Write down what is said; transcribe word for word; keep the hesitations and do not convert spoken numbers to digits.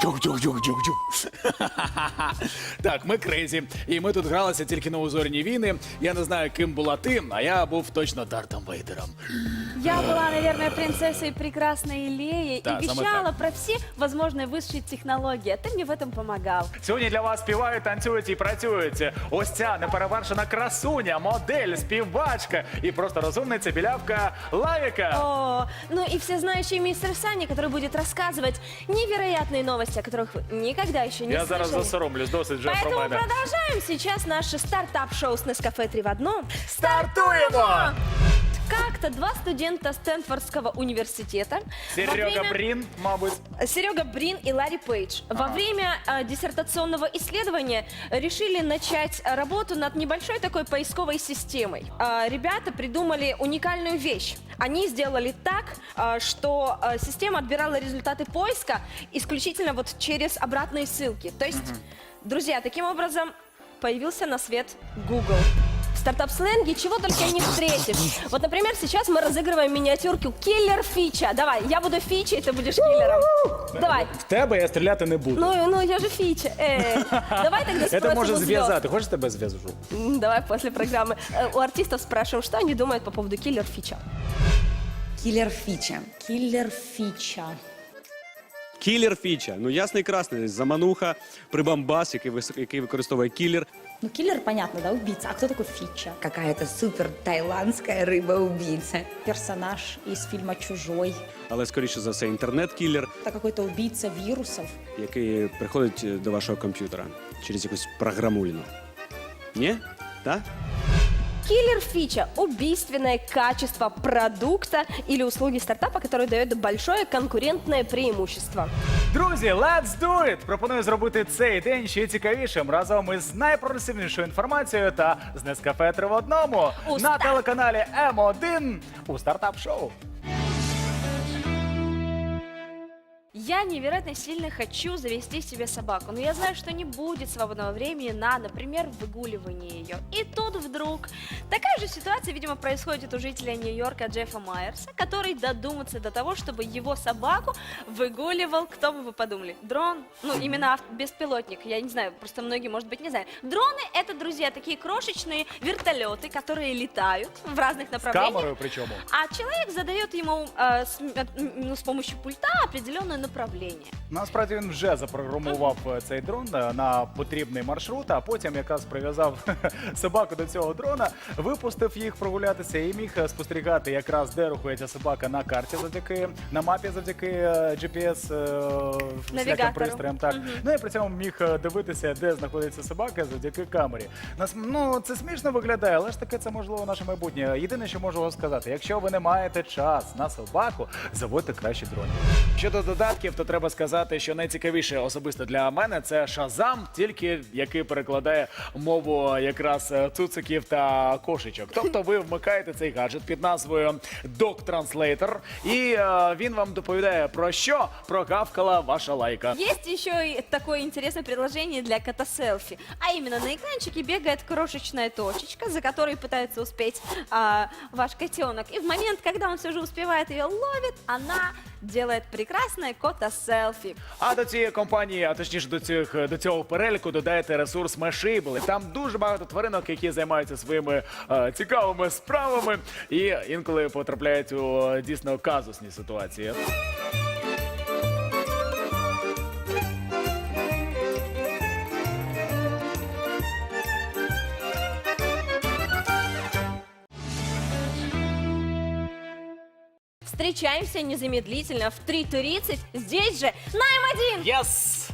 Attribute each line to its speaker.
Speaker 1: Тюх-тюх-тюх-тюх-тюх. Так, ми крейзі. І ми тут гралися тільки на узорні війни. Я не знаю, ким була ти, а я був точно Дартом Вейдером.
Speaker 2: Я была, наверное, принцессой прекрасной Леей
Speaker 1: Да,
Speaker 2: и
Speaker 1: самое
Speaker 2: вещала
Speaker 1: так.
Speaker 2: про все возможные высшие технологии. А ты мне в этом помогал.
Speaker 3: Сьогодні для вас співають, танцюють і працюють. Ось ця неперевершена красуня, модель, співачка і просто розумниця білявка Лавіка.
Speaker 2: О, ну и всезнающий мистер Санни, который будет рассказывать невероятные новости, о которых вы никогда еще не
Speaker 3: Я зараз
Speaker 2: слышали.
Speaker 3: засоромлюсь, досить вже про
Speaker 2: Поэтому
Speaker 3: мене.
Speaker 2: продолжаем сейчас наше стартап-шоу с Нескафе три в одном.
Speaker 3: Стартуємо!
Speaker 2: Как-то два студента Стэнфордского университета во
Speaker 3: Серега
Speaker 2: время-
Speaker 3: Брін, мабуть.
Speaker 2: Серега Брин и Ларри Пейдж во время э, диссертационного исследования решили начать э, работу над небольшой такой поисковой системой. Э, ребята придумали уникальную вещь. Они сделали так, э, что э, система отбирала результаты поиска исключительно вот через обратные ссылки. То есть, друзья, таким образом появился на свет Google. В стартап-сленге чего только не встретишь. Вот, например, сейчас мы разыгрываем миниатюрку «Киллер Фича». Давай, я буду Фичей, ты будешь киллером. Давай.
Speaker 3: В тебе я стріляти не буду.
Speaker 2: Ну, ну я же Фича. Э, давай тогда
Speaker 3: Це
Speaker 2: спросим
Speaker 3: може
Speaker 2: у звезд.
Speaker 3: зв'язати. Хочеш тебе зв'яжу?
Speaker 2: М, Давай после программы. Э, У артистов спрашиваем, что они думают по поводу «Киллер Фича».
Speaker 4: Киллер фича.
Speaker 5: Киллер Фича.
Speaker 6: Кілер фіча. Ну ясний і красний. Замануха, прибамбас, який, вис- який використовує кілер.
Speaker 5: Ну, киллер, понятно, да, убийца. А кто такой Фича?
Speaker 4: Какая-то супер тайландская рыба-убийца.
Speaker 5: Персонаж из фильма «Чужой».
Speaker 6: Але скоріше за все інтернет-кілер,
Speaker 5: Это какой-то убийца вирусов.
Speaker 6: який приходить до вашого комп'ютера через якусь програмуліну. Ні? Так?
Speaker 2: Киллер Фича – убийственное качество продукта или услуги стартапа, который дает большое конкурентное преимущество.
Speaker 3: Друзі, let's do it! Пропоную зробити цей день ще цікавішим разом із найпрогресивнішою інформацією та з Нескафе три в одному
Speaker 2: У
Speaker 3: на
Speaker 2: старт.
Speaker 3: телеканалі М один у стартап-шоу.
Speaker 2: Я невероятно сильно хочу завести себе собаку, но я знаю, что не будет свободного времени на, например, выгуливание ее. И тут вдруг такая же ситуация, видимо, происходит у жителя Нью-Йорка Джеффа Майерса, который додумается до того, чтобы его собаку выгуливал, кто бы вы подумали, дрон, ну именно ав- беспилотник, я не знаю, просто многие, может быть, не знают. Дроны — это, друзья, такие крошечные вертолеты, которые летают в разных
Speaker 3: З
Speaker 2: направлениях.
Speaker 3: камерою причому.
Speaker 2: А человек задает ему э, с, м- ну, с помощью пульта определенное направление.
Speaker 3: Насправді він вже запрограмував е, цей дрон е, на потрібний маршрут, а потім якраз прив'язав собаку до цього дрона, випустив їх прогулятися і міг е, спостерігати якраз, де рухається собака на карті завдяки, на мапі завдяки е, джі пі ес е, всіляким
Speaker 2: Навігатору.
Speaker 3: пристроям. Так. Ну і при цьому міг е, дивитися, де знаходиться собака завдяки камері. Нас, ну, це смішно виглядає, але ж таке це можливо наше майбутнє. Єдине, що можу вам сказати, якщо ви не маєте час на собаку, заводьте краще дрони. Щодо додатків, то треба сказати, що найцікавіше особисто для мене це Шазам, тільки який перекладає мову якраз е, цуциків та кошечок. Тобто ви вмикаєте цей гаджет під назвою Dog Translator, і е, він вам доповідає про що прогавкала ваша лайка.
Speaker 2: Есть еще и такое интересное приложение для кота-селфи. А именно на экранчике бегает крошечная точечка, за которой пытается успеть а, ваш котенок. И в момент, когда он все же успевает ее ловит, она делает прекрасное кота-селфи.
Speaker 3: А до цієї компанії, а точніше до цих до цього переліку додаєте ресурс Mashable. Там дуже багато тваринок, які займаються своїми е, цікавими справами і інколи потрапляють у е, дійсно казусні ситуації.
Speaker 2: Встречаемся незамедлительно в три тридцать здесь же на эм один.
Speaker 3: Yes!